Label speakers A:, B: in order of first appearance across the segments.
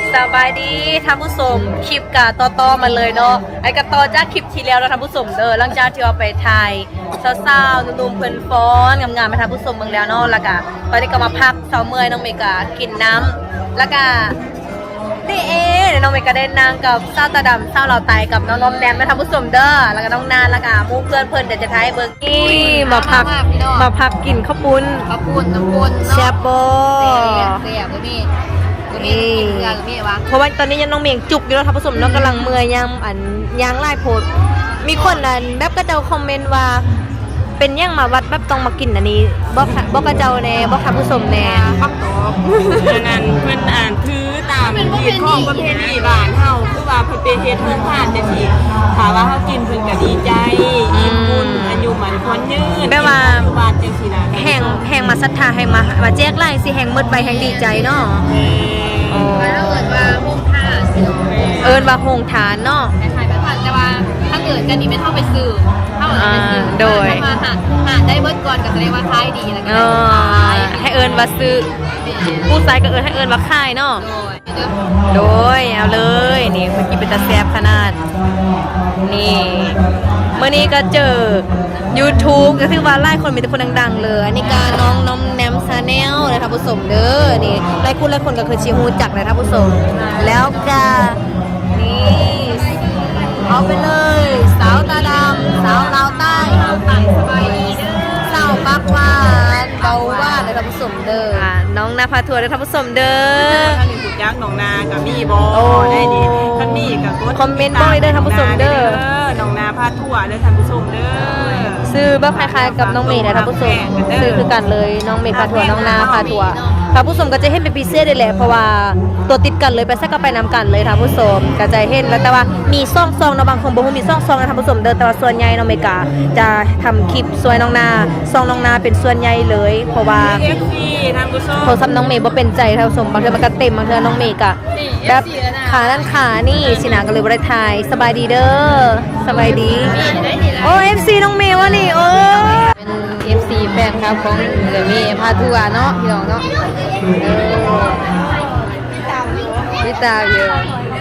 A: สบายดีท่านผู้ชมคลิปกะต่อมาเลยเนาะไอ้กะต่อจากคลิปที่แล้วแล้วท่านผู้ชมเด้อหลังจากที่ว่าไปถ่ายสาวๆหนุ่มๆเพิ่นฟ้อนงามๆมาท่านผู้ชมเบิ่งแล้วเนาะแล้วก็ตอนนี้ก็มาพักเช้าเมื่อยน้องเมกากินน้ำแล้วก็นี่น้องเมกาได้นางกับสาวตาดำสาวเหล่าไตกับน้องน้อมแนมมาท่านผู้ชมเด้อแล้วก็น้องนานแล้วก็หมู่เพื่อนเพิ่นเดี๋ยวจะถ่ายเบิ่งนี่มาพักกินข้าวปุ้น
B: น้ำปุ้น
A: แซ่บบ่
B: เสียบก็มีกินเกลือก็มีวะ
A: เพราะว่าตอนนี้ยังน้องเมียงจุกอยู่แล้วท่านผู้ชมเนาะกำลังเมื่อยยังไล่โพดมีคนแบบก็เจ้าคอมเมนต์ว่าเป็นยังมาวัดแบบต้องมากินอันนี้บอกกระเจ้าแน่บอกท่านผู้ชมแน่
C: คำตอบงานเพิ่นอ่านถือตามที่ของประเพณีบ้านเฮาคือว่าเพิ่นเป็นเฮ็ดเพิ่นผ่านจังซี่ถ้าว่าเฮากินเพิ่นก็ดีใจอิ่มบุญอายุมันควรยืน
A: แม่ว่า
C: บ้านจังซี่นะ
A: แห่งมาศรัทธาแห่งมาแจกไล่สิแห่งมืดไปแห่งดีใจเนาะ
B: แล้วเอิญว่าโฮงท่า
A: เอิญว่าโฮงฐานเนาะ
B: คล้ายๆแบบผ่านแต่ว่าถ้าเกิดกันนี้ไม่เท่าไปซื้อเท่าไปซื้อ
A: โดย
B: มาหาได้เบิดก่อนก็แสดงว่าขายดีแล้วก็
A: ให้เอิญว่าซื้อผู้ชายก็ให้เอิญว่าค่ายเนาะโดยเอาเลยนี่เมื่อกี้เป็นตาแซ่บขนาดนี่เมื่อนี้ก็เจอ YouTube ก็คือว่าไล่คนมีแต่คนดังๆเลยอันนี้การน้องแนมชาแนลเลยท่านผู้ชมเด้อนี่ไล่คนก็คือชิฮูจักเลยท่านผู้ชมแล้วก็นี่เอาไปเลยสาวตาดำสาวลาวใต้สบายดีเด้อสาวปักหวานเบาหวานเลยท่านผู้ชมเด้อน้องนาพาทัวร์เลยท่านผู้ชมเด้อ
C: ท่านนี่ถูกยักษ์หนองนากับมีบ่ได้นี่ท่านมีกับ
A: คอมเมนต์บ่อยเด้อท่านผู้ชมเด้อ
C: หนองนาพาทัวร์เด้อท่านผู้ชมเด้อ
A: ซื้อแบบคล้ายๆกับน้องเมย์นะท่านผู้ชมซื้อคือกันเลยน้องเมย์พาทัวร์น้องนาพาทัวร์ท่านผู้ชมก็จะเห็นเป็นพิเศษได้แหละเพราะว่าตัวติดกันเลยไปซักก็ไปนำกันเลยท่านผู้ชมก็จะเห็นแล้วแต่ว่ามีซ่องนะบางคนบอกว่ามีซ่องนะท่านผู้ชมเดินแต่ว่าส่วนใหญ่น้องเมกาจะทำคลิปสวยน้องนาซ่องน้องนาเป็นส่วนใหญ่เลยเพราะว่าโทรศัพท์น้องเมย์บ่เป็นใจท่านผู้ชมบางเทื่อมันก็เต็มบางเทื่อน้องเมย์ก็แบบขานั่นขานี่สินะก็เลยบ่ได้ถ่ายสบายดีเด้อสบายดีโอ้ FC น้องเมย์วะนี่โอ้
B: เป็น FC แฟนครับของเดี๋ยวมีพาทัวร์เนาะพี่น้องเนาะพี่ตาเยอะ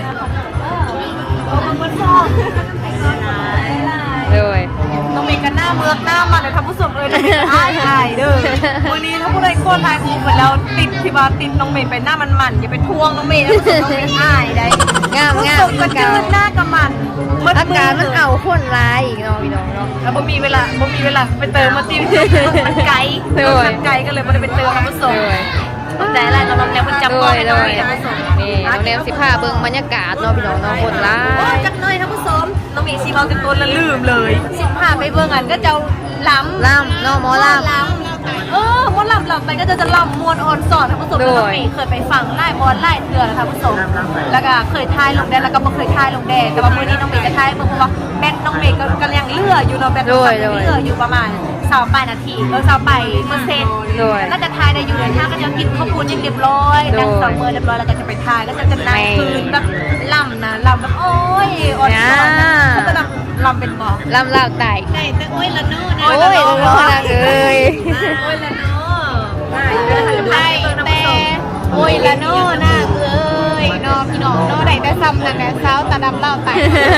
B: เลย
A: น้องเมย์กันหน้าเมือกหน้ามันเลยท่านผู้ชมเลยอ้ายเด้อวันนี้ถ้าผู้ใดโคตรทายคูเหมือนเราติดที่ว่าติดน้องเมย์ไปหน้ามันอย่าไปทวงน้องเมย์นะน้องเมย์อ้ายได้
B: งาม
A: กระจืดหน้ากับมัน
B: อาการมันเอาคนร้ายอีกเนาะพี่น้องเนาะ
A: แล้วบ่มีเวลาไปเติมมาจิ้มมันไกลก็เลยไม่ได้ไปเติมท่านผู้ชมแต่อะไรน้องแนวมันจำบ่ได้เลย
B: นี่น้องแนว15เบิ่งบรรยากาศเนาะพี่น้องเนาะคนร้าย
A: จักหน่อยท่านผู้ชมน้องมีสีเบาจนตัวละลืมเลย15ไปเบิ่งอันก็จะล้ำ
B: เนาะหมอล้ำ
A: มวนล้ำไปก็จะล้ำมวนอ่อนสอนท่านผู้ชมน้องมีเคยไปฟังไล่มอนไล่เถื่อนท่านผู้ชมแล้วก็เคยทายลงแดงแล้วก็บ่เคยทายลงแดงแต่ว่ามื้อนี้น้องมีจะทายเบิ่งเพราะว่าแบตน้องเมย์ก็ยังเหลืออยู่เนาะแบตเหลืออยู่ประมาณ28 นาที28%น่าจะทายได้อยู่เลยถ้าก็จะกินข้าวปุ้นยังเรียบร้อยนั่ง2 มื้อเรียบร้อยแล้วก็จะไปทายก็จะนั่งคืนแบบล่ำแบบโอ้ยอ่อนสอนเขาจะลำเป็นหมอ
B: ลำลาวไต่
A: แต่โอ้ยละโน่นะ
B: โอ้ยละโน่นะเอ้ย
A: โอ้ยละโน่ไต่แต่
B: โอ้ยละโน่นะเอ้ยน้องพี่น้องโน่ได้แต่ซ้ำนั่นแหละสาวตาดำลาวไต่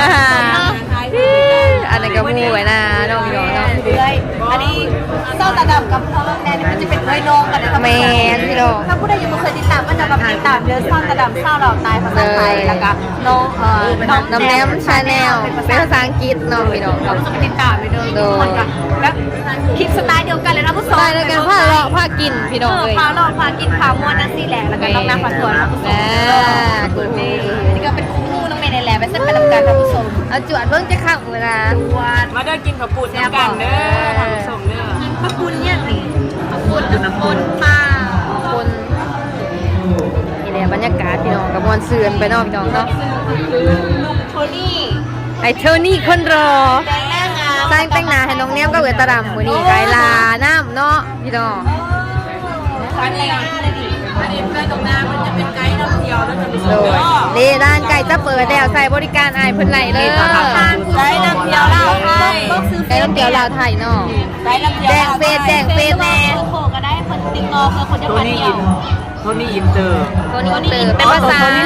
B: อันนั้นก็มูไว้นะน้องพี่น้องเนาะ
A: อันนี้เศร้าตาดำกับพ่อแม่นี่มันจะเป็นน้องกันนะคะ
B: แมนพี่น้อง
A: ถ้าผู้ใดยังไม่เคยติดตามก็จะมาติดตามเดือนเศร้าตาดำเศร้าเราตายภาษาไทยแล้วก็น้อง
B: แนมชาแนลเป็นภาษาอังกฤษน้องพี่น้อง
A: เราต้องติดตามไปเลยทุกคนกันแล้วคลิปสไตล์เดียวกันเลยนะผู้ชม
B: สไตล์เดียวกันผ้ากินพี่น้องเลย
A: ผ้ากินผ้ามวนนั่นสิแหละแล้วก็น้องน้ำผ้าสวยนะผู้ชมนี่ก็เป็นคู่น้องเมย์ในแหละไปเส้นไปทำการนะผู้ชม
B: เอาจวดเบิ่งจะข้างเวลา
C: มาเด้อกินข้าวปุ้นกันเด้อท่านผู้ชมเด้อ
A: กินข้าวปุ้นเนี่ยนี่ข้าวปุ้นป้า
B: คนนี่แหละบรรยากาศพี่น้องกับมวลเสื่อนไปนอกพี่น้องเนาะ
A: โทนี่
B: โทนี่คนรอสร้างแต่งหน้าให้น้องแนมก็เวตาดำมื้อนี้ไกลาน้ำเนาะพี่น้อง
C: อันนี้ไกด์ตรงหน้ามันจะเป็นไกด์ท่องเที่ยวแล้วจะมีส่วน
B: นี่ร้านไก่จะเปิดแล้วใส่บริการอายเพิ่นไหลเลย
C: ไกด์ท่องเที่ยวลาวไทย
B: ไก่ท่องเที่ยวลาวไทยเนาะแจ้งเฟซแน่
A: โคก็ได้คนติดต่อคือคนจะมาเที่ยว
C: โทนี่อินเตอร์
B: เป็นภาษา
C: โทนี่สุริสา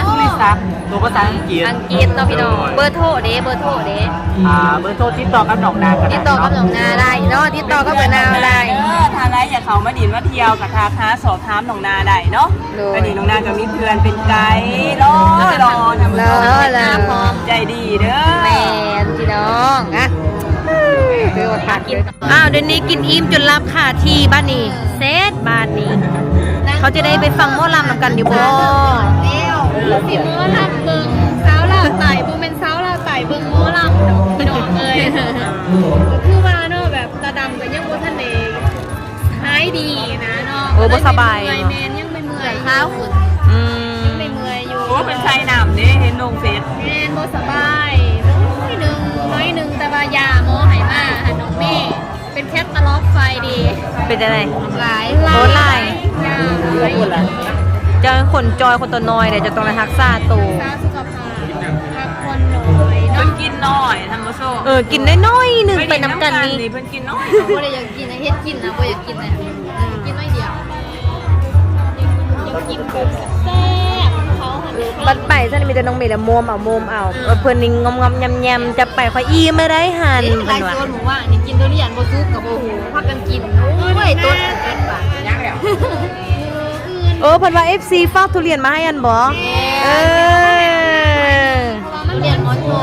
D: ตัวภาษาอังกฤษ
B: อังกฤษเนาะพี่น้องเบอร์โทรเด้เบอร์โทรเด้
D: เบอร์โทรติดต่อกับน้องนากัน
B: ติดต่อกับน้องนาได้เนาะติดต่อกับเบอร์นาได้
C: ทางไหนอยากเขามาดินมาเที่ยวกับทาค้าสอบถามน้องนาได้เนาะก็นี่น้องนาก็มีเพื่อนเป็นไกด์รอทำ
B: พร้อม
C: ใจดีเด้อ
B: แมนพี่น้องอะคือว่าผักกิน
A: อ้าวเดี๋ยวนี้กินอิ่มจนรับค่ะที่บ้านนี้เซตบ้านนี้ เขาจะได้ไปฟังหมอลำนำกันอยู่บ่
B: แล้วสิหมอลำเบิ่งสาวลาวไต่บ่แม่นสาวลาวไต่เบิ่งหมอลำดอกพี่น้องเอ้ยคือว่าเนาะแบบตาดำก็ยังบ่ทันได้หายดีนะเนาะ
A: โอ้บ่สบาย
B: เมื่อยแม่นยังไม่เมื่อยเท้าขึ้น
A: อืม
B: ไม่เมื่อยอยู่
C: โอ้เป็นไซน้ำนี่เห็นลงเฟซ
B: แม่นบ่สบายน้อยหนึงแต่ว่ายาหมอให้มาหาน้องเมย์เป็นแคทตาล็อกไฟดี
A: เป็นอะไร
B: หลาย
A: โอ้หลาย
B: ยาหลาย
A: จะคนจอยคนตัวน้อยเดี๋ยวจะต้องไปรักษาตัว
B: สาสุขภาพพักผ่อนน้อย
C: เพิ่
B: เนาะ
C: นกินน้อยทำมาโซ่
A: กินน้อยๆหนึ่งไปน้ำกันนี่
C: เพิ่นกินน้อย
B: บ่ได้อยากกินนะเฮ็ดกินนะบ่อยากกินนะกินน้อยเดียวอยากกินแบบแซ่บเขาหัน
A: บัดไปท่านมีแต่น้องเมย์ละโมมเอาเพื่อนนี่งอมๆยำๆจะไปคอยอีไม่ได้หัน
B: หลายโซนหมูว่านี่กินตัวนี้ยันบ่ซุกกับบ่หูพากันกินโอ้ยตัวนั้นบาทยังแล้ว
A: เพิ่นว่า FC ฝากทุเรียนมาให้อันบ่เออ
B: มันเรียนหมอโท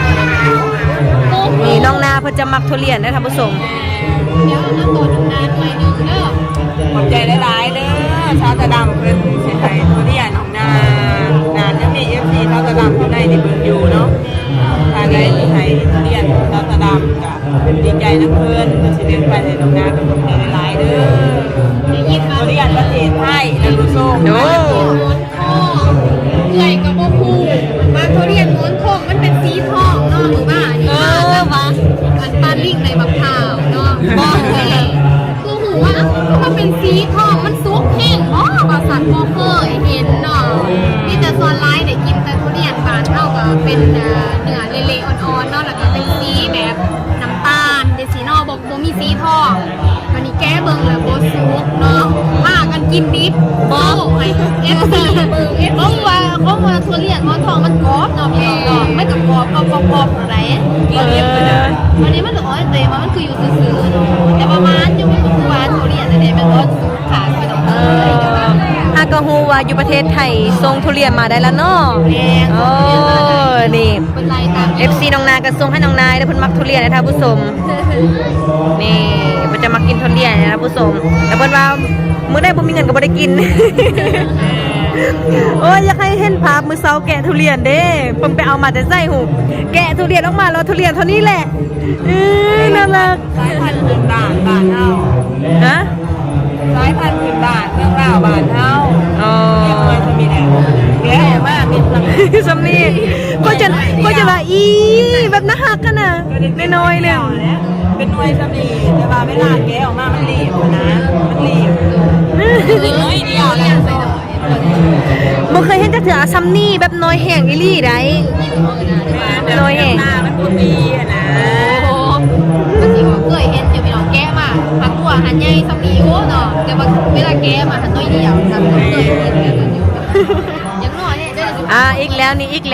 A: นี่น้องนาเพิ่นจะมักทุเรียนนะท่านผู้ชม
B: เดี๋ยวน้ำตัวน้ำนานหน่อยนึงเด้อ
C: ขอบใจหลายๆเด้อชาวตะดำเพิ่นสิให้ทุเรียนของนานยังมี FC ชาวตะดำอยู่ในที่เพิ่นอยู่เนาะทางใดที่ให้ทุเรียนชาวตะดำก็ดีใจนะเพิ่นสิเดินไปให้น้องนาเป็นขอบใจหลายๆเด้อทุเรียนประเทศไทยนะผู้ชม
A: โอ้
B: เหนื่อยกับบ่ฮู้มาเขาเรียนม้วนทองมันเป็นสีทองเนาะหรือว่านี่ว่าอันปานลิงในบักพร้าวเนาะบ่แม่คือหูว่ามันเป็นสีทองมันสุกแห้งอ๋อก็สัตว์บ่เคยเห็นเนาะมีแต่ส่วนหลายได้กินแต่ทุเรียนบานเฮาก็เป็นเนื้อเละๆอ่อนๆเนาะแล้วก็เป็นสีแบบน้ำตาลเป็นสีเนาะบ่มีสีทองวันนี้แก้เบิ่งแล้วบ่สุกเนาะพากันกินดิบบ่ให้ FC เบิ่ง FC เขาว่าทุเรียนหมอนทองมันกรอบเนาะพี่น้องเนาะไม่กับกรอบอะไรวันนี้มันเหลืออ้อยเตยมันคืออยู่ซื่อๆเนาะแต่ประมาณอยู่มันคือหวานทุเรียนอะไรมันก็สูงขาไปต้องเลยแต่ว่า
A: อากาฮูว่าอยู่ประเทศไทยส่งทุเรียนมาได้แล้วเนาะโอ้นี่
B: เป็นไรตาม
A: FC น้องนาก็ส่งให้น้องนายแล้วเพิ่นมักทุเรียนนะท่านผู้ชมนี่เพิ่นจะมากินทุเรียนนะท่านผู้ชมแต่เพิ่นว่ามื้อใดบ่มีเงินก็บ่ได้กิน โอ้ยอยากให้เห็นภาพมื้อเช้าแกะทุเรียนเด้เพิ่นไปเอามาแต่ไส้หูแกะทุเรียนออกมาแล้วทุเรียนเท่านี้แหละน่ารัก
C: สายพันธุ์พื้นบ้านบ้านเฮา
A: ฮะ
C: สายพันธุ์พื้นบ้านเรื่องราวบ้านเฮา
A: อ๋อ
C: เรียกว่าจะมีแหละแก่มากมีพลัง
A: สำนีก็จะว่าอีแบบน่าฮักกันน่ะน้อยๆเลย
C: เป็นหน่วยสำลีแต่ว่าเวลาแกะออกมามันรีบนะมันรีบน้อยเดียวแหละ
A: บ่เคยเห็นจักเถื่อซัมนี่แบบน้อยแห้งอีหลี่ได้ น้อยแห่ง
C: หน้ามันบ่ดีอะนะ
B: โอ้มันสิว่าเคยเห็นอยู่พี่น้องแก้มาหักตัวหันใหญ่สำลีโอ้เนาะแต่ว่าเวลาแก้มาหันน้อยเดียวซ้ำเคยเห็นกันอยู่ยังน้อยเนี่ยเด้อ
A: อีกแล้วนี่นี่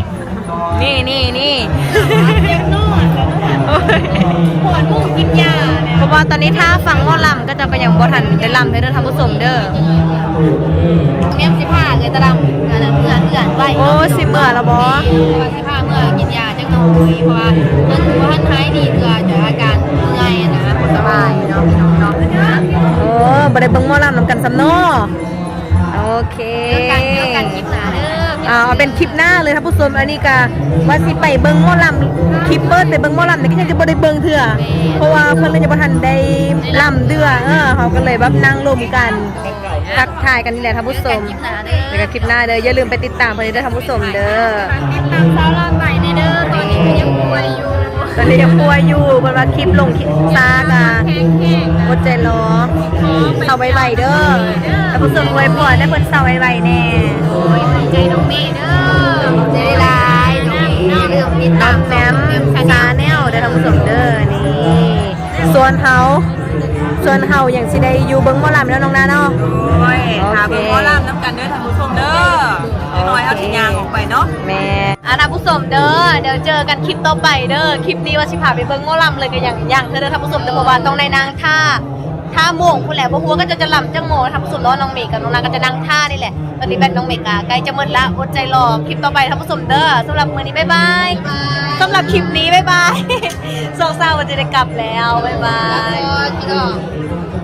B: ยังน้อยปวดมุ่งกินยาเนี่ย
A: เพราะว่าตอนนี้ถ้าฟังหมอลำก็จะก็ยังบ่ทันได้ลำเด้อท่านผู้ชมเด้อ
B: เมียมสิผ้าเลยตะดำอันนั้นเพื่อนไว้
A: โอ้สิเมื่อแล้วบ่
B: สิผ้าเมื่อกินยาจังหน่อยเพราะว่ามันบ่ทันหายดีเพื่อจะอาการเมื่อยนะบ่สบายเนาะพี่น้องเนาะ
A: โอ้บ่ได้เบิ่งหมอลำนำกันซ้ำเนาะโอเค
B: เดี๋ยวกันคลิปหน้าเด้อ
A: เอาเป็นคลิปหน้าเลยท่านผู้ชมอันนี้ก็ว่าสิไปเบิ่งหมอลำคลิปเปิดไปเบิ่งหมอลำนี่ก็ยังจะบ่ได้เบิ่งเถื่อเพราะว่าเพิ่นยังบ่ทันได้ลำเดือเขาก็เลยแบบนั่งรวมกันทักทายกันนี่แหละท่านผู้ชม
B: คลิปหน้าเด้อ
A: แล้วก็คลิปหน้าเด้ออย่าลืมไปติดตามเพิ่นเด้อท่านผู้ชมเด้อ
B: ติดตามสาวรอดใหม่ในเด้อตอนนี้ก็ยังป่วยอยู่
A: ตอนนี้ยังป่วยอยู่เพิ่นว่าคลิปลงคลิปซากะ
B: แข็งๆ
A: อดใจรอเศร้าไวๆเด้อท่านผู้ชมอวยพรให้เพิ่นเศร้าไวๆแน่
B: โอ้ยขอบใจน้องเมย์เด้อใจลายน้องเมย์เรื่องติด
A: น้
B: ตา
A: อ
B: ม
A: งแซมซาแนลเด้อท่านผู้ชมเด้อนี่ส่วนเฮาอย่างสิได้อยู่เบิ่งหมอลำแล้วน้องนาเนาะ
C: โอ้ยถามเป็นหมอลำน้ำกันเด้อท่านผู้ชมเด้อน้อยเอาสิยางออกไปเนาะ
A: แม่ท่านผู้ชมเด้อเดี๋ยวเจอกันคลิปต่อไปเด้อคลิปนี้ว่าสิพาไปเบิ่งหมอลำเลยก็อย่างเธอเด้อท่านผู้ชมเด้อเพราะว่าต้องในนางท่าโมงพูดแหละเพราะหัวก็จะลำจังโมท่านผู้ชมเนาะน้องเมฆกับน้องนางก็จะนั่งท่านี่แหละตอนนี้เป็นน้องเมฆใกล้จะหมดละอดใจรอคลิปต่อไปท่านผู้ชมเด้อสำหรับมื้อนี้บ๊ายบายสำหรับคลิปนี้บ๊ายบายโซเศร้าวันจะได้กลับแล้วบ๊ายบาย
B: พี่น้อง